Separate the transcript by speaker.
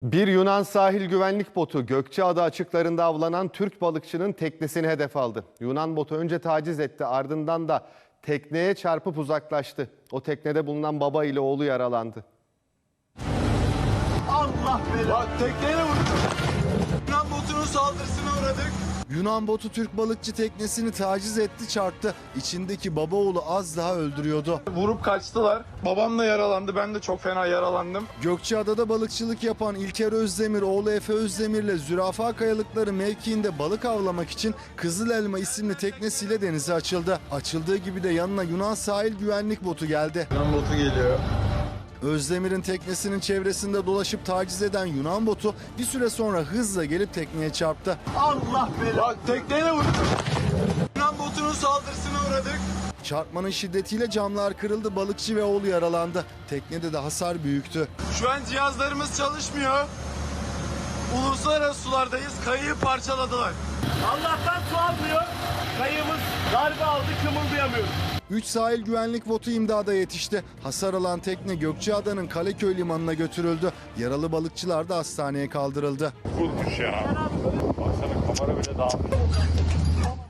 Speaker 1: Bir Yunan sahil güvenlik botu Gökçeada açıklarında avlanan Türk balıkçının teknesini hedef aldı. Yunan botu önce taciz etti, ardından da tekneye çarpıp uzaklaştı. O teknede bulunan baba ile oğlu yaralandı.
Speaker 2: Allah belanı. Tekneye vurdu. Yunan botunun saldırısına uğradık.
Speaker 3: Yunan botu Türk balıkçı teknesini taciz etti, çarptı. İçindeki baba oğlu az daha öldürüyordu.
Speaker 2: Vurup kaçtılar. Babam da yaralandı. Ben de çok fena yaralandım.
Speaker 3: Gökçeada'da balıkçılık yapan İlker Özdemir, oğlu Efe Özdemir'le Zürafa Kayalıkları mevkiinde balık avlamak için Kızıl Elma isimli teknesiyle denize açıldı. Açıldığı gibi de yanına Yunan sahil güvenlik botu geldi.
Speaker 2: Yunan botu geliyor.
Speaker 3: Özdemir'in teknesinin çevresinde dolaşıp taciz eden Yunan botu bir süre sonra hızla gelip tekneye çarptı.
Speaker 2: Allah belanı. Tekneye vurdu. Yunan botunun saldırısına uğradık.
Speaker 3: Çarpmanın şiddetiyle camlar kırıldı, balıkçı ve oğlu yaralandı. Teknede de hasar büyüktü.
Speaker 2: Şu an cihazlarımız çalışmıyor. Uluslararası sulardayız. Kayığı parçaladılar.
Speaker 4: Allah'tan su almıyor. Kayığımız darbe aldı, kımıldayamıyoruz.
Speaker 3: 3 sahil güvenlik botu imdada yetişti. Hasar alan tekne Gökçeada'nın Kaleköy limanına götürüldü. Yaralı balıkçılar da hastaneye kaldırıldı.
Speaker 5: Vurmuş ya. Baksana kamera bile dağılmış.